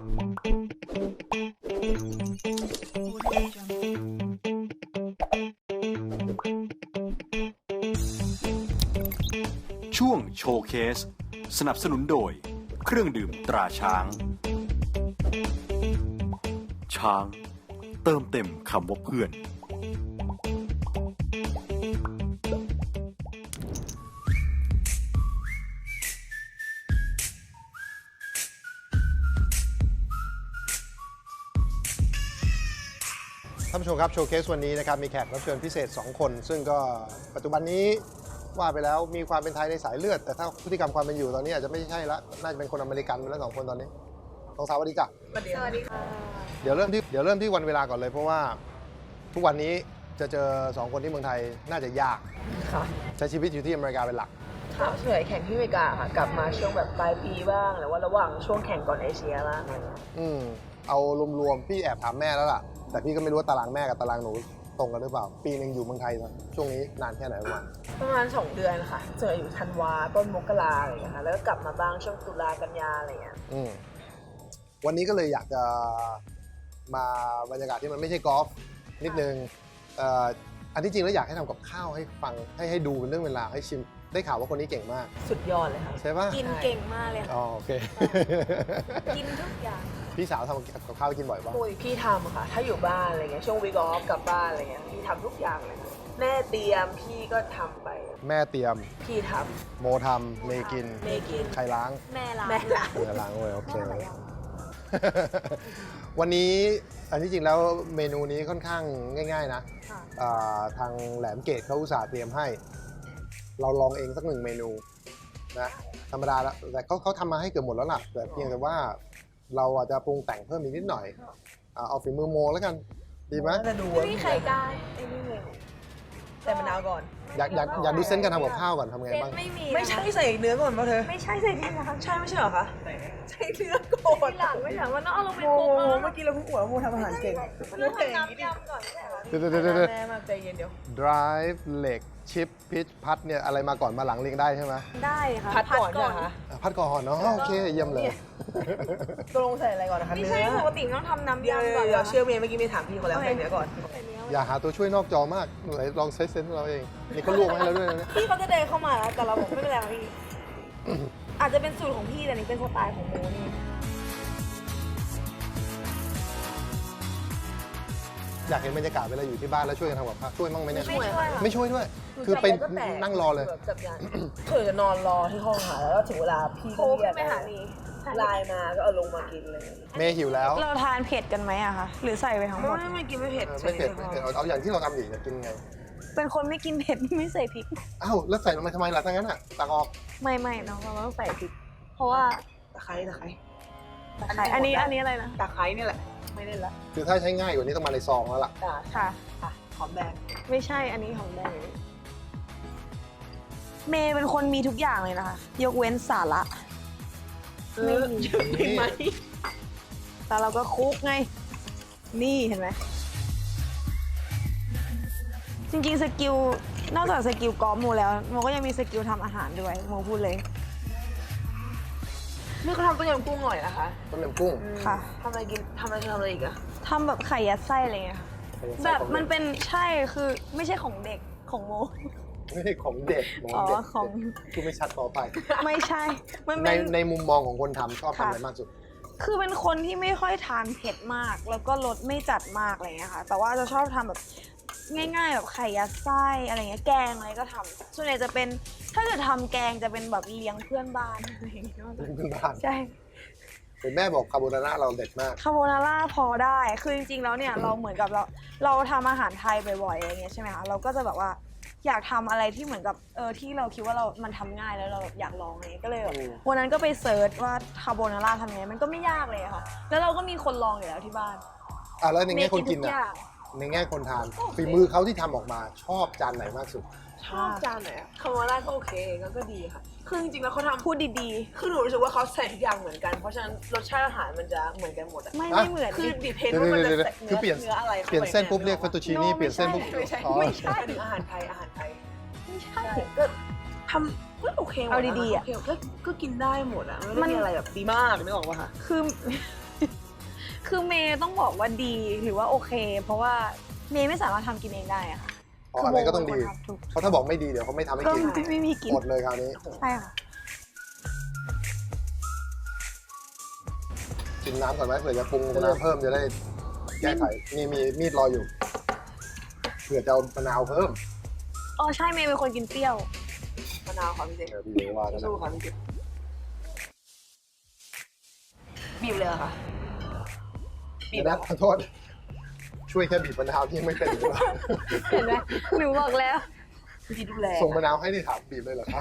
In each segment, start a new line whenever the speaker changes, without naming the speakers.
ช่วงโชว์เคสสนับสนุนโดยเครื่องดื่มตราช้างช้างเติมเต็มคำว่าเพื่อน
ท่านผู้ชมครับโชว์เคสวันนี้นะครับมีแขกรับเชิญพิเศษ2คนซึ่งก็ปัจจุบันนี้ว่าไปแล้วมีความเป็นไทยในสายเลือดแต่ถ้าพฤติกรรมความเป็นอยู่ตอนนี้อาจจะไม่ใช่ละน่าจะเป็นคนอเมริกันไปแล้ว2คนตอนนี้สวัสดีจ้ะ
สวัสดีค่ะ
เดี๋ยวเริ่มที่วันเวลาก่อนเลยเพราะว่าทุกวันนี้จะเจอ2คนที่เมืองไทยน่าจะยาก
ค่ะ
ใช้ชีวิตอยู่ที่อเมริกาเป็นหลัก
ค่ะเฉยแข่งที่อเมริกาค่ะกลับมาช่วงแบบปลายปีบ้างหรือว่าระหว่างช่วงแข่งก่อนเอเชียบ้างอะไรเงี้ย
เอารวมๆพี่แอบถามแม่แล้วล่ะแต่พี่ก็ไม่รู้ว่าตารางแม่กับตารางหนูตรงกันหรือเปล่าปีนึงอยู่เมืองไทยช่วงนี้นานแค่ไหน
ประมาณ2 เดือนค่ะเจออยู่ธันวาต้นมกราอะไรอย่างเงี้ยค่ะแล้วก็กลับมาบ้างช่วงตุลากันยาอะไรเงี้ย
วันนี้ก็เลยอยากจะมาบรรยากาศที่มันไม่ใช่กอล์ฟนิดนึงอันที่จริงแล้วอยากให้ทำกับข้าวให้ฟังให้ดูเป็นเรื่องเวลาให้ชิมได้ข่าวว่าคนนี้เก่งมาก
สุดยอดเลยค่ะ
ใช่ปะ
กินเก่งมากเลยค่ะ
อ๋อโอเค
กินทุกอย่าง
พี่สาวทำกับข้าวกินบ่อยป่ะ
โอ้ยพี่ทำค่ะถ้าอยู่บ้านอะไรเงี้ยช่วงวีคออฟกลับบ้านอะไรเงี้ยพี่ทำทุกอย่างเลยค่ะแม่เตรียมพี่ก็ทำไป
แม่เตรียม
พี่ท
ำโมทำเมย์กินใครล้าง
แม่ล้าง
ล้างเลยโอเควันนี้อันที่จริงแล้วเมนูนี้ค่อนข้างง่ายๆนะทางแหลมเกตเขาอุตส่าห์เตรียมให้เราลองเองสัก1 เมนูนะธรรมดาแล้วแต่เขาทำมาให้เกือบหมดแล้วล่ะแต่เพียงแต่ว่าเราอาจจะปรุงแต่งเพิ่มอีกนิดหน่อยเอาฝีมือโมแล้วกันดีไหม
ไม่ไข่ได้ไอ้นี่เลยแต่มะนาวก่อน
อยากดูเส้นการทำกับข้าวก่อนทำไงบ้าง
ไม่ใช่ใส่เนื้อก่อนป่ะเธอ
ไม่ใช่ใส่ที่ร้าน
ใช่ไม่ใช่เหรอคะใส่เนื้อก่อน
ที่หลังไม่หลังว่าน้องเอาลงไป
คลุก
เ
มื่อกี้เราเพิ่งอวดว่าโมทำอาหารเก่ง
เราทำน้ำยำก่อนใช่ไหม
เดี๋ยว
แม่มาใจเย็นเดี๋ยว
drive เหล็กชิปพิชพัดเนี่ยอะไรมาก่อนมาหลังเรียงได้ใช่ไหม
ได้ค่ะ
พัดก่อนใช่ไหมคะ
พัดก่อนเนาะโอเคเยี่ยมเลย
ตกลงใส่อะไรก่อนนะคะ
ไม่ใช่ปกติต้องทำน้ำยำก่อน
เชื่อเมย์เมื่อกี้ไม่ถามพี่เขาแล้วใส่เนื้อก่อน
อย่าหาตัวช่วยนอกจอมากไหนลองใช้เซนส์เราเองนี่เขาลวกให้แล้วด้วยนะ
พี่เขาจะเดินเข้ามาแล้วแต่เราบอกไม่เป็นไรพี่อาจจะเป็นสูตรของพี่แต่นี่เป็นสไตล์ของโมนี่
อยากเห็นบรรยากาศเวลาอยู่ที่บ้านแล้วช่วยกันทำกับข้าวช่วยมั่งไหมเนี่ย
ไม่
ช่วยด้วยคือไปนั่งรอเลย
เธอจะนอนรอที่ห้องหาแล้วถึงเวลาพี่
ก็เรียก
ไลน์มาก็เอาลงมากินเลย
เมย์หิวแล้ว
เราทานเผ็ดกันไหมอะคะหรือใส่ไปทั้งหมด
ไม่กินไม่เผ็ด
เอาอย่างที่เราทำอยู่จะกินไง
เป็นคนไม่กินเผ็ดไม่ใส่พริก
อ้าวแล้วใส่ลงไปทำไมล่ะทั้งนั้นอ่ะตักออก
ไม่น้องเราต้องใส่พริกเพราะว่า
ตะไคร้
อันนี้อะไรนะ
ตะไคร้นี่แหละไม่เล่นละ
คือถ้าใช้ง่ายกว่านี้ต้องมาในซองแล้วล่ะ
ค่ะ
หอมแดง
ไม่ใช่อันนี้หอมแดงเมย์เป็นคนมีทุกอย่างเลยนะคะยกเว้นสาระ
ไม่มีไหม
แต่เราก็คุกไงนี่เห็นไหมจริงๆสกิลนอกจากสกิลกอล์ฟโมแล้วโมก็ยังมีสกิลทำอาหารด้วยโมพูดเลย
นี่เขาทำต้มยำกุ้งอร่อยนะคะ
ต้มยำกุ้ง
ค่ะ
ทำอะไรอีกอะ
ทำแบบไข่ยัดไส้อะไรเงี้ยค่ะแบบมันเป็นใช่คือไม่ใช่ของเด็กของโม
ไม่ใช่ของเด็ก
ของ
คือไม่ชัดต่อไป
ไม่ใช่
มันในมุมมองของคนทำชอบทำอะไรมากสุด
คือเป็นคนที่ไม่ค่อยทานเผ็ดมากแล้วก็รสไม่จัดมากอะไรเงี้ยค่ะแต่ว่าจะชอบทำแบบง่ายๆแบบไข่ยัดไส้อะไรเงี้ยแกงอะไรก็ทำส่วนใหญ่จะเป็นถ้าเกิดทำแกงจะเป็นแบบเลี้ยงเพื่อนบ้านอะไรอย่างเงี้ย
เพื่อนบ้าน
ใช่
เป็นแม่บอกคาโบนาร่าเราเด็ดมาก
คาโบนาร่าพอได้คือจริงๆแล้วเนี่ยเราเหมือนกับเราทำอาหารไทยบ่อยๆอะไรเงี้ยใช่ไหมคะเราก็จะแบบว่าอยากทำอะไรที่เหมือนกับที่เราคิดว่ามันทำง่ายแล้วเราอยากลองอะไรก็เลยวันนั้นก็ไปเซิร์ชว่าคาโบนาร่าทำไงมันก็ไม่ยากเลยค่ะแล้วเราก็มีคนลองอยู่แล้วที่บ้าน
แล้วในแง่คนกินอ่ะในแง่คนทานฝีมือเขาที่ทำออกมาชอบจานไหนมากสุด
ชอบจานไหนคาโบนาร่าก็โอเคก็ดีค่ะคือจริงๆแล้วเขาทำ
พูดดี
ๆคือหนูรู้สึกว่าเขาใส่ทุกอย่างเหมือนกันเพราะฉะนั้นรสชาติอาหารมันจะเหมือนกันหมดอะ
ไม่เหมือน
คือดิเพนว่ามันจะใส่เนื้ออะไร
เปลี่ยนเส้นปุ๊บเรียกเฟตตูชินี่เปลี่ยนเส้นปุ๊บ
ไม่ใช่ถึงอาหารไทย
ไม่ใช่
ก็ทำก็โอเค
เอาดีๆอ่ะ
ก็กินได้หมดอ่ะไม่ได้มีอะไรแบบดีมากไม่ออกป่ะคะ
คือคือเมย์ต้องบอกว่าดีหรือว่าโอเค เพราะว่าเมย์ไม่สามารถทำกินเองได้อะค่ะ
เพราะอะไรก็ต้องดี
คืโมเป็นคนทำทุก
เพราะถ้าบอกไม่ดีเดี๋ยวเขาไม่ทำให้
ก็
กิน
ไม่มีกิน
หมดเลยคราวนี้
ใช่ค่ะ
ชิมน้ำก่อนไหมเผื่อจะปรุงน้ำเพิ่มจะได้แก้ไขนี่มีมีดรออยู่เผื่อจะเอามะนาวเพิ่ม
อ๋อใช่เมย์เป็นคนกินเปรี้ยว
มะนาวค่ะพี่เจ
เดี๋ยวพี่เลี้ยงว่ากันนะ
สู้ค่ะพี่เจบีบเลยเหรอค่ะบี
เดี๋
บ
ยวนะขอโทษ ช่วยแค่บีบมะนาวที่ยังไม่เป็นหรือเปล่า
เห็นไหมหนูบอกแล้ว
วิธีดูแล
ส่งมะนาวให้ที่ถามบีบเลยเหรอครับ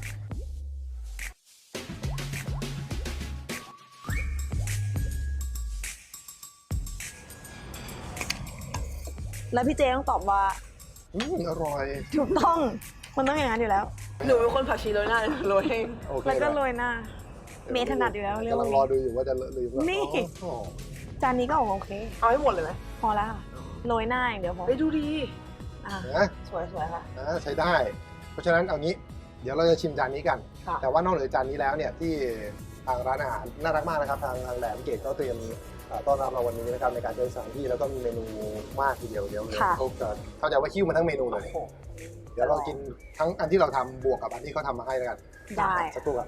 แล้วพี่เจต้องตอบว่า
อร่อย
ถูกต้องมันต้องอย่างนั้นอยู่แล้ว
หนูเป็นคนผักชีโรยหน้าโรยให้
โอเค
แล้วก็
นะ
โรยหน้า เมย์ถนัดอยู่แล้วเรื่อง
กำลัง
นี้
รอดูอยู่ว่าจะเลอะหรือเปล่า
นี่
อ๋อ
จานนี้ก็โอเค
เอาให้หมดเลยไหม
พอแล้วค่ะโรยหน้าอย่างเดียวพอ
ไปดูดี
อ่ะ
นะ
สวยๆค่ะ
ใช้ได้ เพราะฉะนั้นเอางี้ เดี๋ยวเราจะชิมจานนี้กัน
ค่ะ
แต่ว่านอกเหนือจานนี้แล้วเนี่ยที่ทางร้านอาหารน่ารักมากนะครับ ทางแหลมเกตก็เตรียมต้อนรับเราวันนี้นะครับในการใช้สถานที่แล้วก็มีเมนูมากทีเดียวเดี๋ยวเขาจะเข้าใจว่าคิ้วมาทั้งเมนูเลย
โอ้โห
เดี๋ยวเรากินทั้งอันที่เราทำบวกกับอันที่เขาทำมาให้แล้วกัน
ได้
สักครู่ครับ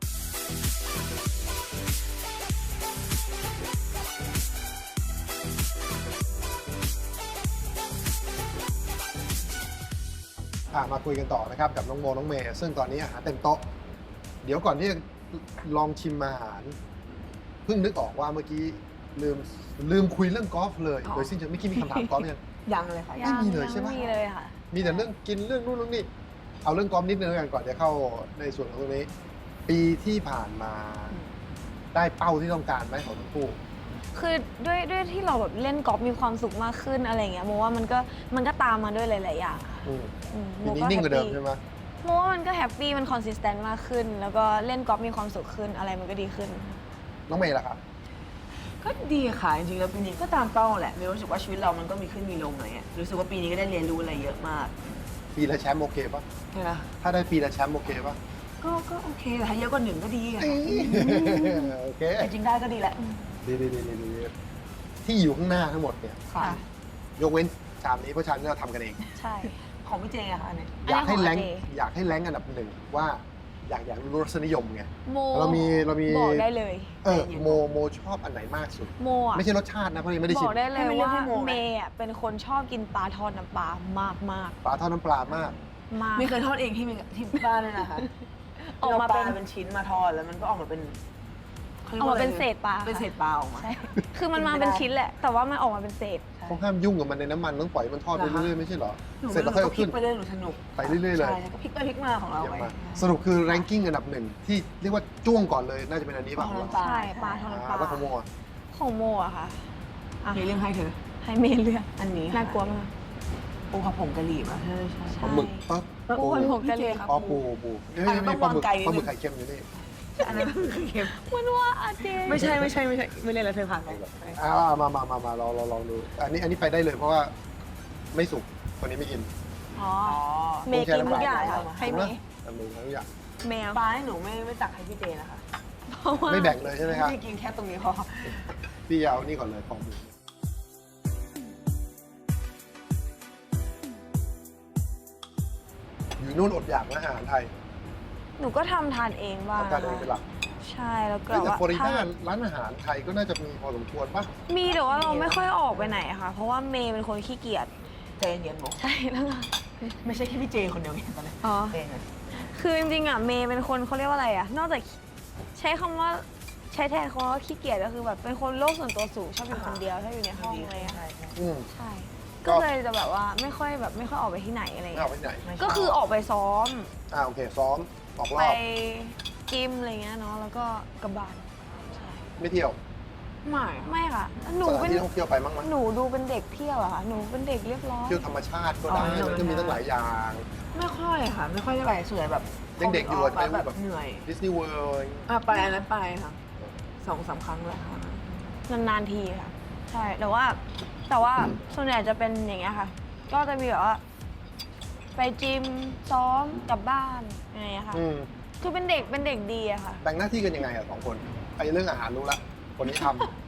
มาคุยกันต่อนะครับกับน้องโมน้องเมย์ซึ่งตอนนี้อาหารเต็มโต๊ะ เดี๋ยวก่อนที่จะลองชิมอาหาร เพิ่งนึกออกว่าเมื่อกี้ลืมคุยเรื่องกอล์ฟเลย โดยสิ้นเชิงไม่คิดมีคำถามกอล์ฟยัง
ยังเลยค่ะ
ไม่มีเลยใช่ปะ
ไม่มีเลยค่ะ
มีแต่เรื่องกินเรื่องนู่นเรื่องนี่เอาเรื่องกอล์ฟนิดนึงแล้วกันก่อนจะเข้าในส่วนของตรงนี้ ปีที่ผ่านมา ได้เป้าที่ต้องการไหมของทั้งคู่
คือด้วยที่เราแบบเล่นกอล์ฟมีความสุขมากขึ้นอะไรเงี้ยโมว่ามันก็ตามมาด้วยหลายๆอย่างค่ะ
อืม
โม
ปีนี้
ก็
นิ่ง
แฮ
ก
ป
ว่าเดิม
ปี้
ใช่ไหม
โมว่ามันก็แฮปปี้มันคอนสิสแตนต์มากขึ้น แล้วก็เล่นกอล์ฟมีความสุขขึ้นอะไรมันก็ดีขึ้น
น้องเมย์ล่ะครับ
ก็ดีค่ะจริงๆแล้วปีนี้ก็ตามเป้าแหละมีรู้สึกว่าชีวิตเรามันก็มีขึ้นมีลงอะไรเงี้ยรู้สึกว่าปีนี้ก็ได้เรียนรู้อะไรเยอะมาก
ปีละแชมป์โอเคปะ
ใช่ไหม
ถ้าได้ปีละแชมป์โอเคปะ
ก็โอเคแต่ถ้าเยอะกว่าหนึ่งก็ดีอะ
โอเค
จริงๆได้ก็ดีแหละ
ดีที่อยู่ข้างหน้าทั้งหมดเนี่ย
ค่ะ
ยกเว้นชามนี้เพราะชามนี้เราทำกันเอง
ใช่
ของพี่เจอะค่ะอันนี้
อยากให้แรง
อันนี้ของ
อยากให้แรงอันดับหนึ่งว่าอยากรู้รสนิยมไง
โม
เรามี
บอกได้เลย
โมชอบอันไหนมากสุด
โมอ่ะ
ไม่ใช่รสชาตินะเพราะยังไม่ได้
บ
ชิ
อ
ม
กได้เลย
ให้มันเลือก
ว่า
ให้โมไหม
เมย์อ่ะเป็นคนชอบกินปลาทอดน้ำปลามากมาก
ปลาทอดน้ำปลามาก
มาก
ไม่เคยทอดเองที่บ้านเลยนะคะ
ออกมา
ป
เป็
ลาน เป็นชิ้นมาทอดแล้วมันก็ออกมาเป็นขรีย
ออก
ว่
มาเป็น
ะไร
เศษปลา
เป็นเศษปลาออกมา
ใช่คือมันมาเป็นชิ้นแหละ แต่ว่ามันออกมาเป็นเศษ
เขาห้ามยุ่งกับมันในน้ำมันต้องปล่อยมันทอดไปเรื่อยๆไม่ใช่เหรอ
หนู
เสร็จแล้วค่อยเอา
พลิ
ขึ้
ก
น
ไปเรื่อยหนูสนุก
ไปเรื่อยๆเลย
ใช่ก็พลิกไปพลิกมาของเรา
เยี่ยม
ไป
มากสรุปคือแรงกิ้งอันดับหนึ่งที่เรียกว่าจ้วงก่อนเลยน่าจะเป็นอันนี้ป่ะ
ปลา
ของ
ทอด
เรา
น้ำปลา
ใช่ปลาทอดน้ำปลา
แล้วของโมอ่ะ
ของโมอะค่ะอ่ะ
มีเรื่องให้เธอ
ให้เมย์เลือก
อันนี้
น่ากลัวมาก
ปูผัดผงกะหรี่ป่ะใช่ใช่
ปลาหมึกปั๊บ
ปูผัดผงกะหรี่
ครับ
อ๋อปูนี่
อันนั้น
นี่
ต้อง
ปลาหมึก
วางไกลนิดนึง
ปลาหมึกไข่เค็มอยู่นี่
อันนั้นคือเค็ม
มันว่าอาเจ
ไม่ใช่ไม่เล่นแล้วเธอผ่านไป
มาเราลองดูอันนี้ไปได้เลยเพราะว่าไม่สุกคนนี้ไม่กิน
อ๋อ
อ๋อ
เมย์กินทุกอย่างค่ะให้เมย์
ทำมือทุกอย่าง
แมว
ปลาให้หนูไม่ตักให้พี่เจนะคะ
เพราะว่า
ไม่แบ่งเลยใช่ไหมครับ
พี่กินแค่ตรงนี้พอ
พี่เอานี่ก่อนเลยของหมูอยู่นู่นอดอยากนะอาหารไทย
หนูก็ทำทานเองบ้าง
ทำการเองเป็นหลัก
ใช่แล้วก็
แต่
ว่า
ฟลอริ
ถ้า
ดาร้านอาหารไทยก็น่าจะมีพอสมควรป่ะ
มีแต่ว่าเราไม่ค่อยออกไปไหนอะค่ะ เพราะว่าเมย์เป็นคนขี้เกียจ
ใจเย็นๆบอก
ใช่แล้วไง
ไม่ใช่แค่พี่เจคนเดียวไงตอนนี้
อ๋อ
เองอะ
คือจริงๆอะเมย์เป็นคนเขาเรียกว่าอะไรอะนอกจากใช้คำว่าใช้แทนคำว่าขี้เกียจก็คือแบบเป็นคนโลกส่วนตัวสูงชอบอยู่คนเดียวชอบอยู่ในห้องอะไรอะ
ใช่ใช่
อืม
ใช่
ก็
ก็เลยจะแบบว่าไม่ค่อยออกไปที่ไหนอะไร
ไม่เอา
เงี้ย
ไปไหน
ไม่ชบ
ก็คือออกไปซ้อม
โอเคซ้อมออกร
ไป
อบ
จิมอะไรเงี้ยเนาะแล้วก็กลับบ้านใช่
ไม่เที่ยว
ไม่ค่ะหนู
สถาน
เป็น
ที่ท่องเที่ยวไปมั้งมั้ย
หนูดูเป็นเด็กเที่ยวอะค่ะหนูเป็นเด็กเรียบร้อย
เที่ยวธรรมชาติก็ได้มันก็มีตั้งหลายอย่าง
ไม่ค่อยค่ะ ไม่ค่อยได้ไปส่วนใหญ่แบบ
ยังเด็กอยู่อะ
ไป
ไป
แบบเหนื่อย
ดิสนีย์เวิลด์
ไปอันนั้นไปค่ะ2-3 ครั้งแล้วค่ะ
นานๆทีค่ะ ใช่แต่ว่าส่วนใหญ่จะเป็นอย่างเงี้ยค่ะ ก็จะมีแบบว่า ไปจิมซ้อมกลับบ้านอะไรอย่างเงี้ยค่ะ คือเป็นเด็กดีอะค่ะ
แบ่งหน้าที่กันยังไงอะสองคนไอ้เรื่องอาหารรู้ละคนนี้ทำ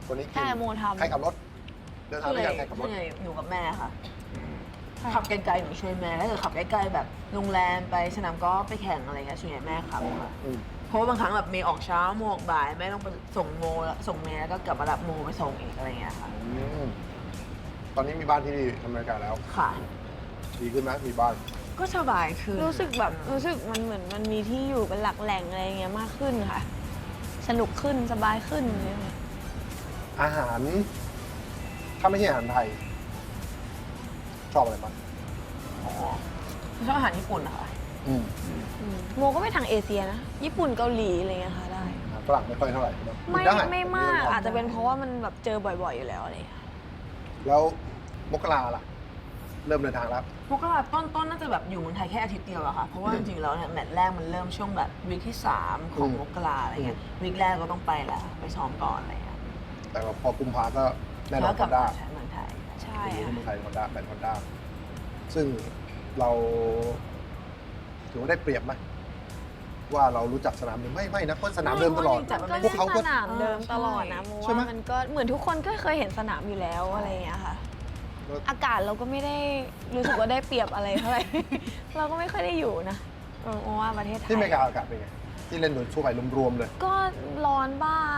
คนนี้กิน
ใช่โมทำ
ใครขับรถเดินทางด้วยกันใครขับรถ
ส่วนใหญ่อยู่กับแม่ค่ะ ขับไกลๆหนูช่วยแม่ถ้าเกิดขับใกล้ๆแบบโรงแรมไปสนามกอล์ฟไปแข่งอะไรเงี้ยส่วนใหญ่แม่ขับค่ะ
อืม
เพราะว่าบางครั้งแบบเมย์ออกเช้าโมออกบ่ายแม่ต้องไปส่งโมแล้วส่งเมย์แล้วก็กลับมารับโมไปส่งอีกอะไรเงี้ยค่ะ
ตอนนี้มีบ้านที่อเมริกาแล้ว
ค่ะ
ดีขึ้นไหมมีบ้าน
ก็สบายคือ
รู้สึกมันเหมือนมันมีที่อยู่เป็นหลักแหล่งอะไรอย่างเงี้ยมากขึ้นค่ะ สนุกขึ้นสบายขึ้นอะไรอย่างเงี้ย
อาหาร ถ้าไม่ใช่อาหารไทย ชอบอะไรบ้าง
ชอบอาหารญี่ปุ่นนะคะ
โมก็ไปทางเอเชียนะ ญี่ปุ่นเกาหลีอะไรเงี้ยค่ะได้
ฝรั่งไม่ค่อยเท่าไหร่ใช่ไหม
ไม่มากอาจจะเป็นเพราะว่ามันแบบเจอบ่อยๆอยู่แล้วอะไรอย่างเงี้ย
แล้วมกราล่ะ เริ่มเดินทางแล้ว
มกราต้นน่าจะแบบอยู่เมืองไทยแค่อาทิตย์เดียวอะค่ะ เพราะว่าจริงๆแล้วเนี่ยแมตช์แรกมันเริ่มช่วงแบบวีคที่ 3 ของมกราอะไรเงี้ยวีคแรกก็ต้องไปแล้วไปซ้อมก่อนอะไรเงี้ย
แต่ว่าพอกุมภาก็แน่นอ
แล้
น
ว
ฮ
กลั
อบ นด้า
มาใช้เมืองไทย
ใช่
ที่
ค่ะ
เมืองไทยฮอนด้าแบรนด์ฮอนด้าซึ่งเราถือว่าได้เปรียบไหมว่าเรารู้จักสนามเดิมไม่นะเพราะสนามเดิมตลอด
ก็
พวกเขาก็
สนามเดิมตลอดนะโม
ใช่ไหม
ว่ามันก็เหมือนทุกคนก็เคยเห็นสนามอยู่แล้วอะไรอย่างเงี้ยค่ะ อากาศเราก็ไม่ได้รู้สึกว่าได้เปรียบอะไรเท่าไหร่ เราก็ไม่ค่อยได้อยู่นะโมว่าประเทศไทย
ที่อเมริกาอากาศเป็นไง ที่เล่นโดยทั่วไปรวมๆเลย
ก็ร้อนบ้าง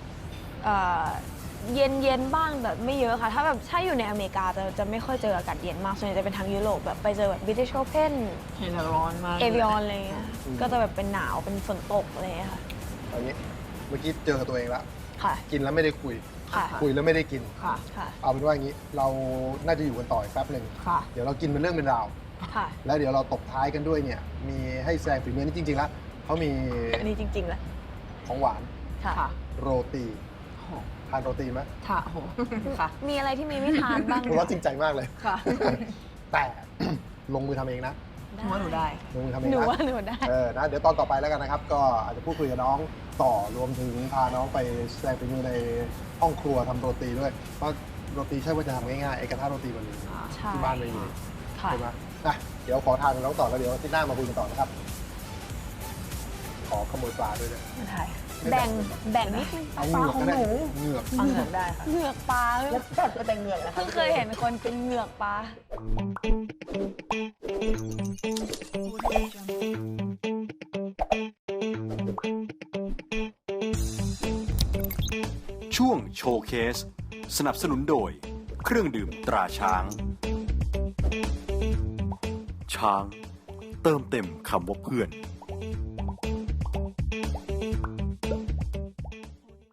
เย็นบ้างแต่ไม่เยอะค่ะ ถ้าอยู่ในอเมริกาจะไม่ค่อยเจออากาศเย็นมากส่วนใหญ่จะเป็นทางยุโรปแบบไปเจอแบบบิทิชโอเพน
เห็นแล้วร้อนมาก
เอวิออนอะไรเงี้ยก็จะแบบเป็นหนาวเป็นฝนตกอะไรเงี้ยค่ะ
ตอนนี้เมื่อกี้เจอกับตัวเองแล้ว
ค่ะ
กินแล้วไม่ได้คุย
ค่ะ
คุยแล้วไม่ได้กิน
ค่ะ
ค่ะ
เอาเป็นว่าอย่างนี้ เราน่าจะอยู่กันต่ออีกแป๊บหนึ่ง
ค่ะ
เดี๋ยวเรากินเป็นเรื่องเป็นราว
ค่ะ
แล้วเดี๋ยวเราตบท้ายกันด้วยเนี่ย มีให้แซงฝีมือนี่จริงๆแล้วเขามี
อันนี้จริงๆแหละ
ของหวาน
ค่ะ
ค่ะ
โรตี
โห
ทานโรตีไหม
ค่ะโหค่ะ
มีอะไรที่เมย์ไม่ทานบ้าง
ผมว่าจริงใจมากเลย
ค่ะ
แต่ ลงมือทำเองนะ
หนูว่าหนูได้
ลงมือทำเอง
หนู
นะ
ว่าหนูได้
นะเดี๋ยวตอนต่อไปแล้วกันนะครับ ก็อาจจะพูดคุยกับน้องต่อรวมถึงพาน้องไปแสดงฝีมือในห้องครัวทำโรตีด้วยเพราะโรตีใช่ว่าจะทำง่ายๆไอ้กระทะโรตีมันมี
ใช่
ที่บ้านไม่มี
ค่ะ
ใช่ไหมนะเดี๋ยวขอทานกับน้องต่อแล้วเดี๋ยวที่หน้ามาคุยกันต่อนะครับ ขอขโมยปลาด้วยนะ
ไม่ได้
แบ่งนิดนึงป
เอา
ลา
เหงือก
ของ
ก็ได้
หนู
เหงือก
ฟังเหนือกได้ค่ะ
เหงือกปลา
แล้วก็แต่เหงือกนะคะ
เพิ่งเคยเห็นคนเป็นเหงือกปลา
ช่วงโชว์เคส สนับสนุนโดย เครื่องดื่มตราช้าง ช้าง เติมเต็มคำว่าเพื่อน